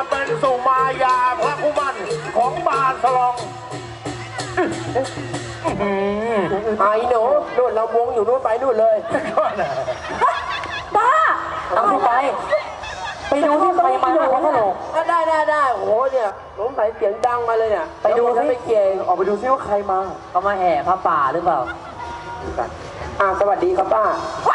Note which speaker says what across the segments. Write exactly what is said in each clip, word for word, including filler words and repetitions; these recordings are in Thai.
Speaker 1: เป็นสุมายาพระคุมันของบาสลอง
Speaker 2: ไอ้หนูนู่นเราวงอยู่นู่นไปนู่นเลย
Speaker 3: บ้า
Speaker 2: เอาไปไปดูที่ใครมาหน้าพระโขนงได้ได้ได้โอ้โหเนี่ยสงสัยเสียงดังมาเลยเนี่ยไปดูที่ไปเกี่ยงออกไปดูซิว่าใครมาเขามาแห่พระป่าหรือเปล่าอ่าสวัสดีครับป้า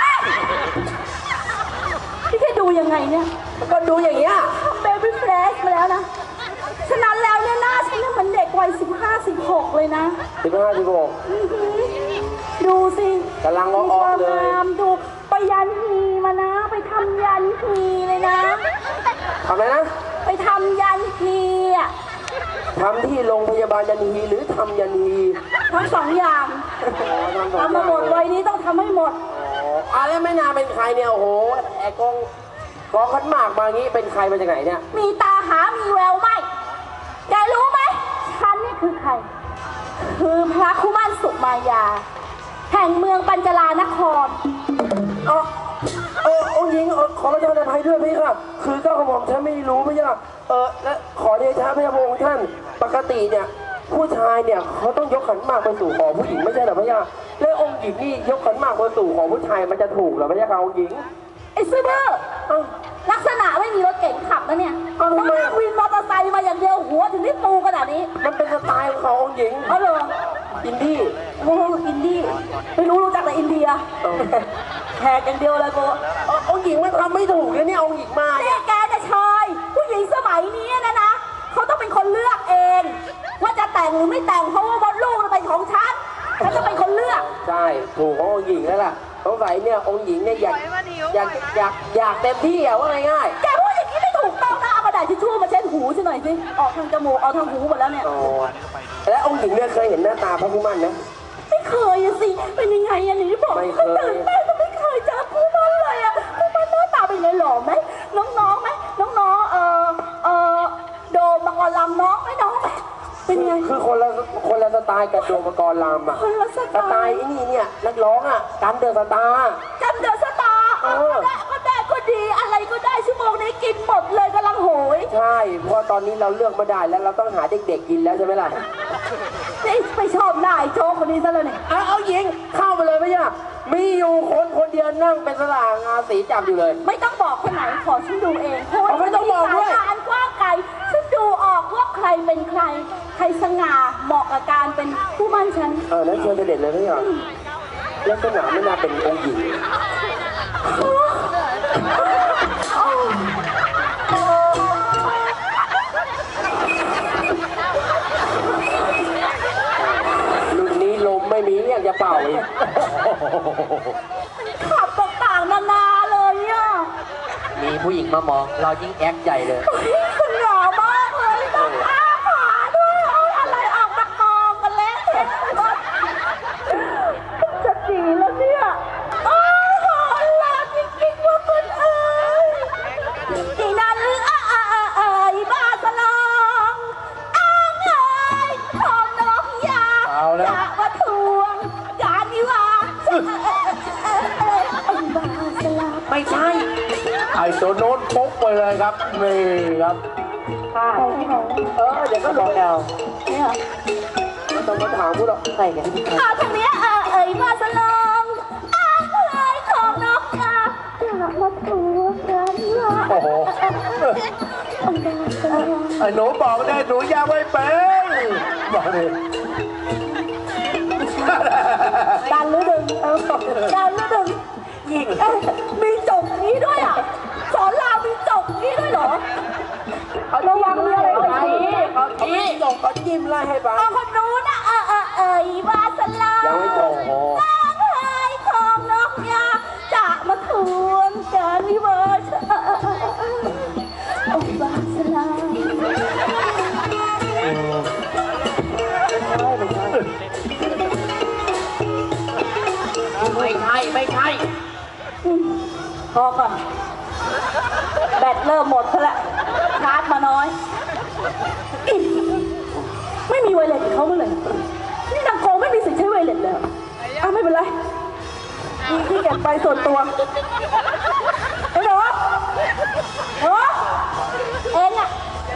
Speaker 3: พี่แค่ดูยังไงเนี่ย
Speaker 2: ก็ดูอย่างเงี้ย
Speaker 3: เบบี้เฟรชมาแล้วนะฉะนั้นแล้วเนี่ยหน้าฉันเนี่ยมันเด็กวัยสิบห้าสิบหกเลยนะ
Speaker 2: สิบห้าสิบหก
Speaker 3: ดูสิ
Speaker 2: กำลังอ้อๆเลย
Speaker 3: ดูไปยันฮีมานะไปทำยันฮีเลยนะ
Speaker 2: ทำอะไรนะ
Speaker 3: ไปทำยันฮีอ่ะ
Speaker 2: ทำที่โรงพยาบาลยันฮีหรือทำยันฮี
Speaker 3: ทั้งสองอย่างทำมาหมดวัยนี้ต้องทำให้หมด
Speaker 2: อ๋ออะไรไม่นาเป็นใครเนี่ยโอ้โหแอกองกองขันหมากมางี้เป็นใครมาจากไหนเนี่ย
Speaker 3: มีตาหามีแววไหมแกรู้ไหมฉันนี่คือใครคือพระคุมันสุมายาแห่งเมืองปัญจลานคร
Speaker 2: เออเออองค์หญิงขอประทานอภัยด้วยพี่ครับคือเจ้าของผมฉันไม่รู้พี่ครับเออและขอเดชะพระองค์ท่านปกติเนี่ยผู้ชายเนี่ยเขาต้องยกขันหมากไปสู่ขอผู้หญิงไม่ใช่หรอพี่ครับแล้วองค์หญิงนี่ยกขันหมากไปสู่ขอผู้ชายมันจะถูกหรอพี่ครับองค์หญิง
Speaker 3: ไอ้ซื่อบื้อลักษณะไม่มีรถเก๋งขับนะเนี่ยต้องนั่งวินมอเตอร์ไซค์มาอย่างเดียวหัวถึงได้ปูขนาดนี้
Speaker 2: มันเป็นสไตล์ของเขาองค์หญิง
Speaker 3: เอาเลย
Speaker 2: อินดี้
Speaker 3: โอ้อินดี้ไม่รู้รู้จักแต่อินเดียแขกอย่างเดียวเลยกู
Speaker 2: องค์หญิงมันทำไม่ถูกเลยเนี่ยองค์หญิงมา
Speaker 3: เนี่ยแกจะชอยผู้หญิงสมัยนี้นะนะเขาต้องเป็นคนเลือกเองว่าจะแต่งหรือไม่แต่งเพราะว่ามดลูกมันเป็นของฉันฉันจะเป็นคนเลือก
Speaker 2: ใช่ถูกขององค์หญิงแล้วล่ะสงสัยเนี่ยองค์หญิงเนี่ยอยากอยากอยากอยากเต็มที่อะว่าง่าย
Speaker 3: ๆแกพูดอย่างนี้ไม่ถูกต้องนะเอากระดาษทิชชู่มาเช็ดหูฉันหน่อยสิออกทางจมูกเอาทางหูหมดแล้วเนี่ย
Speaker 2: แล้วองค์หญิงเนี่ยเคยเห็นหน้าตาพระผู้มั่นนะ
Speaker 3: ไม่เคยสิเป็นยังไงอันนี้บอกไม่เคยตื่นเต้นก็ไม่เคยเจอผู้มั่นเลยอะผู้มั่นหน้าตาเป็นไงหล่อไหมน้องๆไหมน้องๆเออเออโดมมังกรลำน้องไหมน้องไหมเป็นไง
Speaker 2: คือคนละคนละสไตล์กับโดมมังกรลำอะสไตล์นี่เนี่ยนักร้องอะกันเดอะสตาร์
Speaker 3: กันเดอะสตาร์ก็ได้ก็ดีอะไรก็ได้ชั่วโมงนี้กินหมดเลยกำลังโหย
Speaker 2: ใช่เพราะตอนนี้เราเลือกมาได้แล้วเราต้องหาเด็กๆกินแล้วใช่ไหมล่ะ
Speaker 3: นี่ไปชอบนายโจ๊กคนนี้ซะเลยเนี่ย
Speaker 2: เอาเอาหญิงเข้าไปเลยไม่ยากมีอยู่คนคนเดียวนั่งเป็นสลางาสีจับอยู่เลย
Speaker 3: ไม่ต้องบอกคนไหนขอฉันดูเองเพราะ
Speaker 2: ไม่ต้องบอกด้วย
Speaker 3: การกว้างไกลฉันดูออกว่าใครเป็นใครใครสง่าเหมาะกับการเป็นผู้มั่นฉัน
Speaker 2: เออนั่นเชิญเด็ดเลยไม่ยากแล้วสง่าไม่น่าเป็นองค์หญิงรุ่นนี้ลมไม่มีเรียกจะเป่าอีก
Speaker 3: ขับต่างๆนานาเลยอ่ะ
Speaker 2: มีผู้หญิงมามองเรายิ่งแอคใหญ่เลย
Speaker 3: คุณหล่อมากเลยต้องอ้าขาด้วยเอาอะไรออกมามองกันแล้วจะจีแล้วเนี่ยโอ้โหหล่อจริงๆว่าคุณเอ๋ยที่นั่นเอ๋ยบ้าสลองอ้างเอ๋ยของน้องยาจะมาทวงการวิวา
Speaker 2: ไม่ใช่
Speaker 1: ไอ้ตัวโน้นปุ๊บไปเลยครับนี่ครับ
Speaker 2: เออเดี๋ยวก็บอกแล้ว
Speaker 3: เนี่ย
Speaker 2: ต้องมาถามพวกเราใส่กัน
Speaker 3: ข่าวทางนี้เอ๋ยมาสลองอ้างเอ๋ยของน้องยาจะมาทวงการวิวา
Speaker 1: โอ้โหไอ้หนูบอกได้หนูยาไม่เป็นบอกเลย
Speaker 3: ดันหรือดึงดันหรือดึงยิงมีจกนี้ด้วยอ่ะสอนรามมีจกนี้ด้วยเหรอระวังมีอะไรไป
Speaker 2: เขาชี้จกเขาจิ้มไล่ให้บ้าง
Speaker 3: เอาคนนู้นนะเออเออเอ๋ยวาสลา
Speaker 2: ยังไม่จบ
Speaker 3: ตั้งให้ของน้องยาจะมาทวงการวิวาทองวาสลา
Speaker 2: ไม่ใช่ไม่ใช่
Speaker 3: พอก่อนแบตเริ่มหมดซะแล้วชาร์จมาน้อยไม่มีไวเลสเขาเมื่อไหร่นี่นางโกไม่มีสิทธิ์ใช้ไวเลสเลยอ้าวไม่เป็นไรมีที่เก็บไปส่วนตัวไอ้หนูหนูเองอะ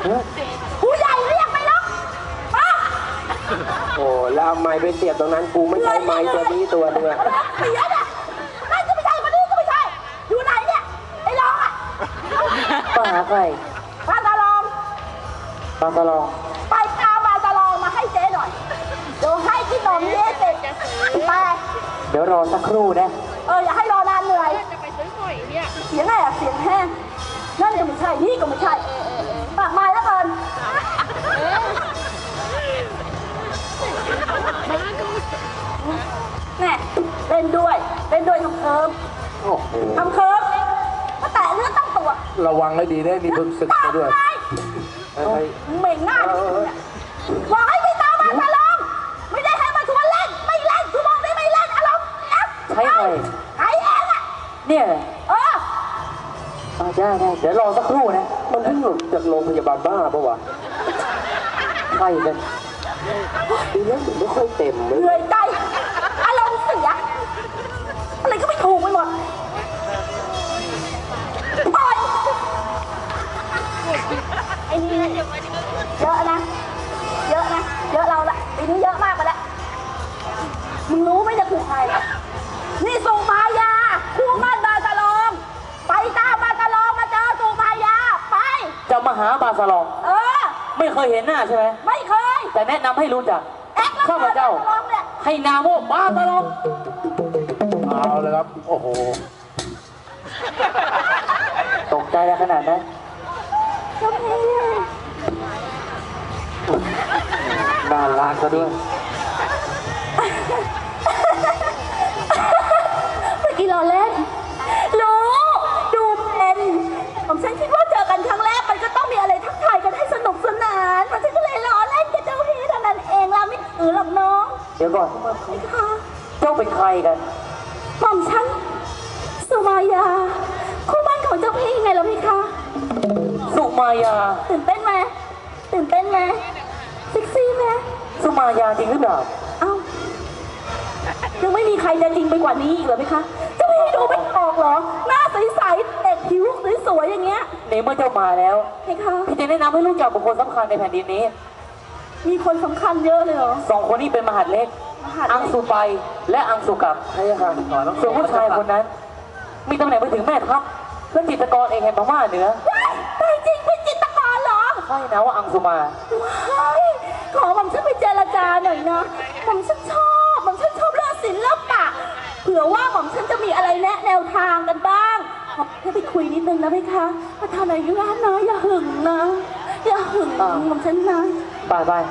Speaker 3: ผู้ใหญ่เรียกไปแล้วมา
Speaker 2: โอ้แล้วเอาไม้ไปเสียบตรงนั้นกูไม่ใช้ไม้ตัวนี้ตัวนึงอะ
Speaker 3: เสียเนี่ยนั่นก็ไม่ใช่คนนี้ก็ไม่ใช่อยู่ไหนเนี่ยไอ้รองอ่ะ
Speaker 2: ป้าหาใคร
Speaker 3: ป้าตาลอง
Speaker 2: ป้าตะลอง
Speaker 3: ไปตามมาตาลองมาให้เจ๊หน่อยเดี๋ยวให้กินนมเย้เสร็จไป
Speaker 2: เดี๋ยวรอสักครู่นะ
Speaker 3: เอออย่าให้รอนานเหนื่อย
Speaker 4: จะไปซื้อหอยเนี่ย
Speaker 3: เสียงไงอะเสียงแห้งนั่นก็ไม่ใช่นี่ก็ไม่ใช่ปากไม้แล้วเกินแน่เล่นด้วยเล่นด้วยทำเคิร์ม
Speaker 1: โอ้โห
Speaker 3: ทำเคิร์มมาแตะเลือดตั้งตัว
Speaker 1: ระวังให้ดีได้มีเพิ่งศึกไปด้วย
Speaker 3: ปาก
Speaker 1: เฮ้
Speaker 3: ไม้
Speaker 1: ย
Speaker 3: เหม่งหน้าดิบอกให้ไปตามมาตาลองไม่ได้ให้มาชวนเล่นไม่เล่นกูบอกได้ไม่เล่นอารมณ์แอป
Speaker 2: ใช้ใคร
Speaker 3: ใครเองอะ
Speaker 2: เนี่ย
Speaker 3: เออ
Speaker 2: อ่าได้ได้เดี๋ยวรอสักครู่นะ
Speaker 1: มันเพิ่งหลุดจากโรงพยาบาลบ้าปะวะ
Speaker 2: ใครกันดีแล้วถึงไม่ค่อยเต็มเล
Speaker 3: เห
Speaker 2: ย
Speaker 3: นื่อยใจอารมณ์เสียอะไรก็ไม่ถูกไปหมดปล่อยไอ้นี่เยอะนะเยอะนะเยอะเราละปีนี้เยอะมากไปแล้วมึงรู้ไหมจะถูกใครนี่สุมายาคู่มั่นบาตาลองไปตามบาตาลองมาเจอสุมายาไป
Speaker 2: จะมาหาบาสลอง
Speaker 3: เออ
Speaker 2: ไม่เคยเห็นหน้าใช่ไหม
Speaker 3: ไม่เคย
Speaker 2: แต่แนะนำให้รู้จัก
Speaker 3: แอ๊กแล้ว
Speaker 2: ข้าพเจ้า
Speaker 3: บตลองเนี่ย
Speaker 2: ให้นามว่าบาสลอง
Speaker 1: เอาเลยครับ โอ้โห
Speaker 2: ตกใจแล้วขนาดนั้น
Speaker 3: เจ้าพี่
Speaker 2: น่ารักซะด้วย
Speaker 3: เมื่อกี้เราเล่นรู้ดูเป็นผมฉันคิดว่าเจอกันครั้งแรกมันก็ต้องมีอะไรทักทายกันให้สนุกสนานมันฉันก็เลยล้อเล่นกับเจ้าพี่เท่านั้นเองเราไม่ถือหรอกน้อง
Speaker 2: เดี๋ยวก่อน
Speaker 3: ค่ะ
Speaker 2: เจ้าเป็นใครกัน
Speaker 3: หม่อมฉันสุมายาคู่บ้านของเจ้าพี่ไงล่ะพี่คะ
Speaker 2: สุมายา
Speaker 3: ตื่นเต้นไหมตื่นเต้นไหมเซ็กซี่ไหม
Speaker 2: สุมายาจริงหรือเปล่า
Speaker 3: เอ้ายังไม่มีใครจะจริงไปกว่านี้อีกเหรอพี่คะเจ้าพี่ดูไม่ออกเหรอหน้าใสๆเด็กผิวสวยๆอย่างเงี้ย
Speaker 2: ในเมื่อเจ้ามาแล้ว
Speaker 3: พี่คะ
Speaker 2: พี่จะแนะนำให้รู้จักบุคคลสำคัญในแผ่นดินนี้
Speaker 3: มีคนสำคัญเยอะเลยเหรอ
Speaker 2: สองคนนี้เป็นมหาดเล็ก
Speaker 3: มหาดเล็ก
Speaker 2: อังสุไปและอังสุกับใช่ค่ะส่วนผู้ชายคนนั้น มีตำแหน่งไปถึงแม่ทัพและจิตรกรเองแห่งพม่าเหนือ
Speaker 3: ว้ายตายจริงเป็นจิตรกรเหรอ
Speaker 2: ใช่นะว่าอังสุมา
Speaker 3: ว้ายขอผมฉันไปเจรจาหน่อยนะผมฉันชอบผมฉันชอบเรื่องศิลปะเผื่อว่าผมฉันจะมีอะไรแนะแนวทางกันบ้างขอให้ไปคุยนิดนึงนะพี่คะประธานอายุร้านนะอย่าหึงนะ อย่าหึงผมฉันนะ
Speaker 2: บายบาย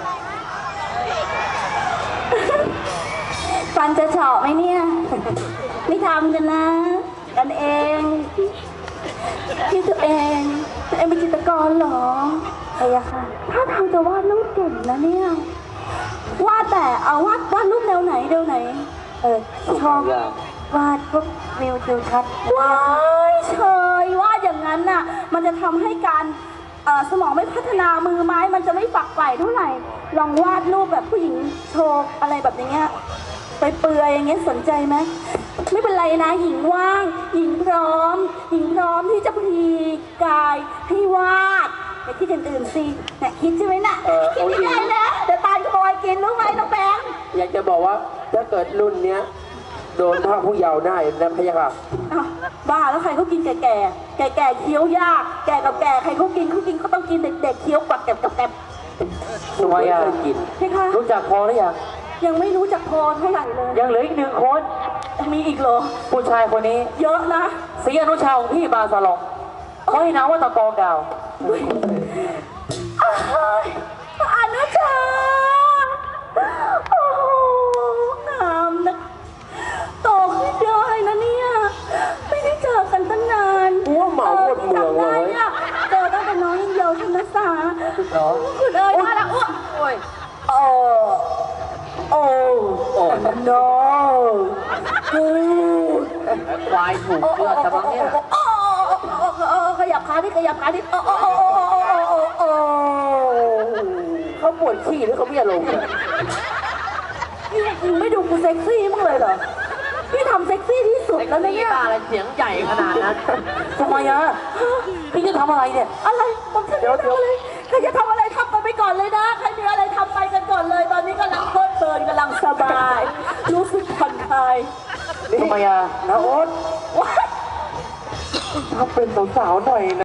Speaker 3: ฟันจะเฉาะไหมเนี่ย ไม่ทำกันนะ กันเองที่ตัวเองตัวเองเป็นจิตรกรเหรอใช่ค่ะถ้าทางจะวาดรูปเก่งนะเนี่ยวาดแต่เอาวาดวาดรูปแนวไหนแนวไหน เออชอบวาดพวกวิวทิวทัศน์ว้ายเชยวาดอย่างนั้นน่ะ มันจะทำให้การเอ่อสมองไม่พัฒนามือไม้มันจะไม่ฝักใฝ่เท่าไหร่ ลองวาดรูปแบบผู้หญิงโชว์อะไรแบบอย่างเงี้ย ไปเปลือยอย่างเงี้ยสนใจไหมไม่เป็นไรนะหญิงว่าง หญิงพร้อม หญิงพร้อมที่จะพลีกายให้วาดอย่าคิดอย่างอื่นสิเนี่ยคิดใช่ไหมน่ะ
Speaker 2: เออ
Speaker 3: คิดไม่ได้นะเดี๋ยวตาลขโมยกินรู้ไหมน้องแบงค์
Speaker 2: อยากจะบอกว่าถ้าเกิดรุ่นเนี้ยโดนพระผู้เยาว์ได้นะพะยะค่ะ
Speaker 3: อ้าวบ้าแล้วใครเขากินแก่แก่แก่แก่ๆเคี้ยวยาก แก่กับแก่ใครเขากินเขากินเขาต้องกินเด็กๆเคี้ยวกวัดแกบกับแกบ
Speaker 2: สุมายา
Speaker 3: ใช่ค่ะ
Speaker 2: รู้จักพอหรือยัง
Speaker 3: ยังไม่รู้จักพอเท่าไหร่เลย
Speaker 2: ยังเหลืออีกหนึ่งคน
Speaker 3: ยังมีอีกเหรอ
Speaker 2: ผู้ชายคนนี้
Speaker 3: เยอะนะ
Speaker 2: ศรีอนุชาของพี่บาสลองเขาให้นามว่าตะกองดาว
Speaker 3: อ้ายอนุชาโอ้โหงามนะโตขึ้นได้นะเนี่ยไม่ได้เจอกันตั้งนาน
Speaker 2: กูว่าเหมาหมดเมืองเลย
Speaker 3: จำได้อะเจอตั้งแต่น้องยังเยาว์ชนะสา
Speaker 2: เหรอ
Speaker 3: คุณเอ๋ยมาแล้วอ้วก
Speaker 2: โอ้ยโอ้โอ้โอ้ no กูควายถูกเลือดแต่บางเนี่ย
Speaker 3: โอ้โอ้โอ้โอ้ขยับขาดิขยับขาดิโอ้โอ้โอ้โอ้โอ้โอ้
Speaker 2: เขาปวดขี้หรือเขาไม่อารมณ์เนี่ย
Speaker 3: พี่ไม่ดูกูเซ็กซี่มั้างเลยเหรอพี่ทำเซ็กซี่ที่สุดแล้วนะเนี่ย
Speaker 2: อะไรเสียงใหญ่ขนาดนั้นทำไมอะพี่จะทำอะไรเนี่ย
Speaker 3: อะไรผมฉันไม่ทำอะไรขยับ
Speaker 1: ทำไมอ่ะนะโอ๊ต
Speaker 3: ว้าย
Speaker 1: ถ้าเป็นสาวๆหน่อยนะ